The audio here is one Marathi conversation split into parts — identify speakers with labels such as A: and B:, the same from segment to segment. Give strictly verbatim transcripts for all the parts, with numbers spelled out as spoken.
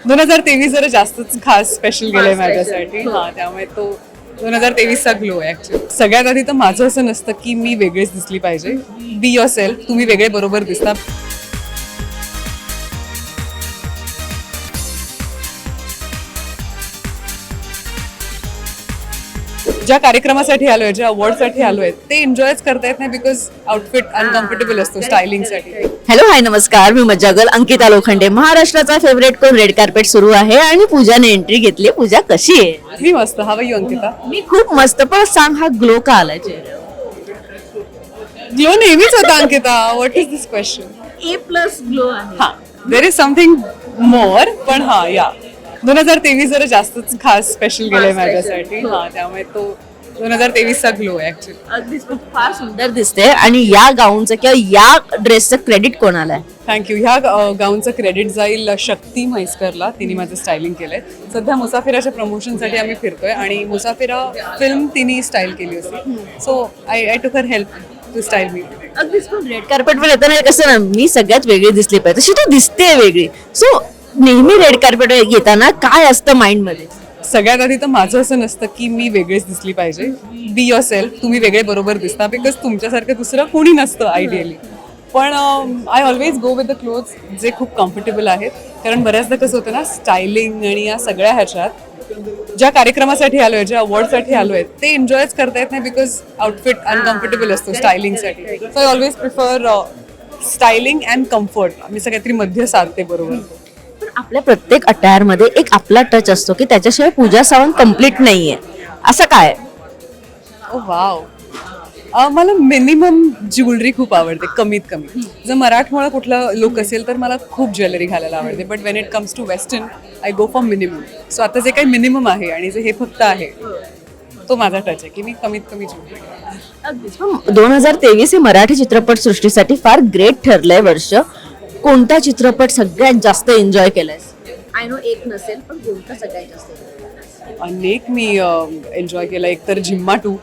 A: दोन हजार तेवीस जरा जास्तच खास स्पेशल गेलंय माझ्यासाठी. हा, त्यामुळे तो दोन हजार तेवीसचा ग्लो आहे ऍक्च्युली. सगळ्यात आधी तर माझं असं नसतं की मी वेगळीच दिसली पाहिजे. बी युअर सेल्फ, तुम्ही वेगळे बरोबर दिसता. ज्या कार्यक्रमासाठी आलोय, ज्या अवॉर्डसाठी आलोय, ते एन्जॉयच करता येत नाही बिकॉज आउटफिट अनकम्फर्टेबल असतो स्टायलिंगसाठी.
B: हॅलो हाय नमस्कार, मी मज्जागल अंकिता लोखंडे. महाराष्ट्राचा फेवरेट कोण रेड कार्पेट सुरू आहे आणि पूजाने एंट्री घेतली. पूजा कशी आहे?
A: मी मस्त. How you Ankita?
B: मी खूप मस्त. पण सांग, हा ग्लो का आलाय चेहऱ्यावर?
A: ग्लो नेहमीच होता Ankita. What is this question?
B: A plus glow आहे.
A: हा, देर इज समथिंग मोर. पण हा, या दोन हजार तेवीस जरा जास्तच खास स्पेशल गेलंय माझ्यासाठी. हा, त्यामुळे तो दोन हजार तेवीसचा ग्लो आहे ऍक्च्युली.
B: अगदीच खूप फार सुंदर दिसते. आणि या गाऊनचं किंवा या ड्रेसचं क्रेडिट कोणाला आहे?
A: थँक्यू. ह्या गाऊनचं क्रेडिट जाईल शक्ती म्हैसकरला. तिने माझं स्टायलिंग केलंय. सध्या मुसाफिराच्या प्रमोशनसाठी आम्ही फिरतोय आणि मुसाफिरा फिल्म तिने स्टाईल केली होती. So I I took her help to style me.
B: अगदीच. पण रेड कार्पेटवर येताना कसं ना, मी सगळ्यात वेगळी दिसली पाहिजे तशी तू दिसते वेगळी. सो नेहमी रेड कार्पेटवर येताना काय असतं माइंड मध्ये?
A: सगळ्यात आधी तर माझं असं नसतं की मी वेगळीच दिसली पाहिजे. बी युअर सेल्फ, तुम्ही वेगळे बरोबर दिसता बिकॉज तुमच्यासारखं दुसरं कोणी नसतं आयडियली. पण I always go with the clothes जे खूप कम्फर्टेबल आहेत. कारण बऱ्याचदा कसं होतं ना, स्टायलिंग आणि या सगळ्या ह्याच्यात ज्या कार्यक्रमासाठी आलोय, ज्या अवॉर्डसाठी आलोय, ते एन्जॉयच करता येत नाही बिकॉज आउटफिट अनकम्फर्टेबल असतो स्टायलिंगसाठी. So I always prefer styling and comfort. मी सगळ्यात मध्ये साधते बरोबर.
B: पण आपल्या प्रत्येक अटायर मध्ये एक आपला टच असतो की त्याच्याशिवाय पूजा सावंत कम्प्लीट नाहीये. असं काय?
A: Oh wow. मला मिनिमम ज्वेलरी खूप आवडते, कमीत कमी. जर मराठमोळा कुठला लुक असेल तर मला खूप ज्वेलरी घालायला आवडते. But when it comes to western I go for minimum. So आता जे काही मिनिमम आहे आणि जे हे फक्त आहे तो माझा टच आहे की मी कमीत कमी ज्वेलरी.
B: दोन हजार तेवीस हे मराठी चित्रपट सृष्टीसाठी फार ग्रेट ठरलंय वर्ष. कोणता चित्रपट सगळ्यात जास्त एन्जॉय केलाय? आय नो एक नसेल, पण कोणता सगळ्यात जास्त?
A: अनेक मी एन्जॉय केला. एक तर झिम्मा टू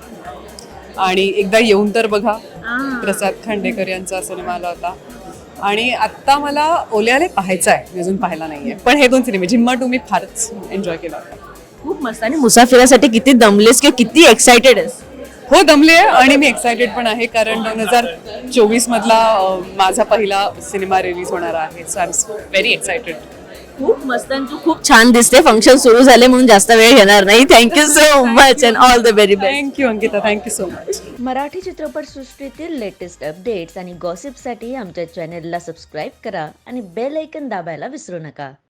A: आणि एकदा येऊन तर बघा, प्रसाद खांडेकर यांचा सिनेमा आला होता. आणि आत्ता मला ओल्याले पाहायचा आहे, मी अजून पाहायला नाहीये. पण हे दोन सिनेमे, झिम्मा टू मी फारच एन्जॉय केला होता.
B: खूप मस्त. आणि मुसाफिरासाठी किती दमलेस किंवा किती एक्साइटेड आहेस?
A: हो, दमले आहे आणि मी एक्सायटेड पण आहे कारण दोन हजार चोवीस मधला माझा पहिला सिनेमा रिलीज होणार आहे. So I am very excited.
B: खूप मस्त. तू खूप छान दिसते. फंक्शन सुरू झाले म्हणून जास्त वेळ घेणार नाही. Thank you so much and all the very best.
A: Thank you Ankita, thank you so much.
C: Marathi चित्रपटसृष्टीतील लेटेस्ट अपडेट्स आणि गॉसिपसाठी आमच्या चॅनेलला सबस्क्राईब करा आणि बेल ऐकन दाबायला विसरू नका.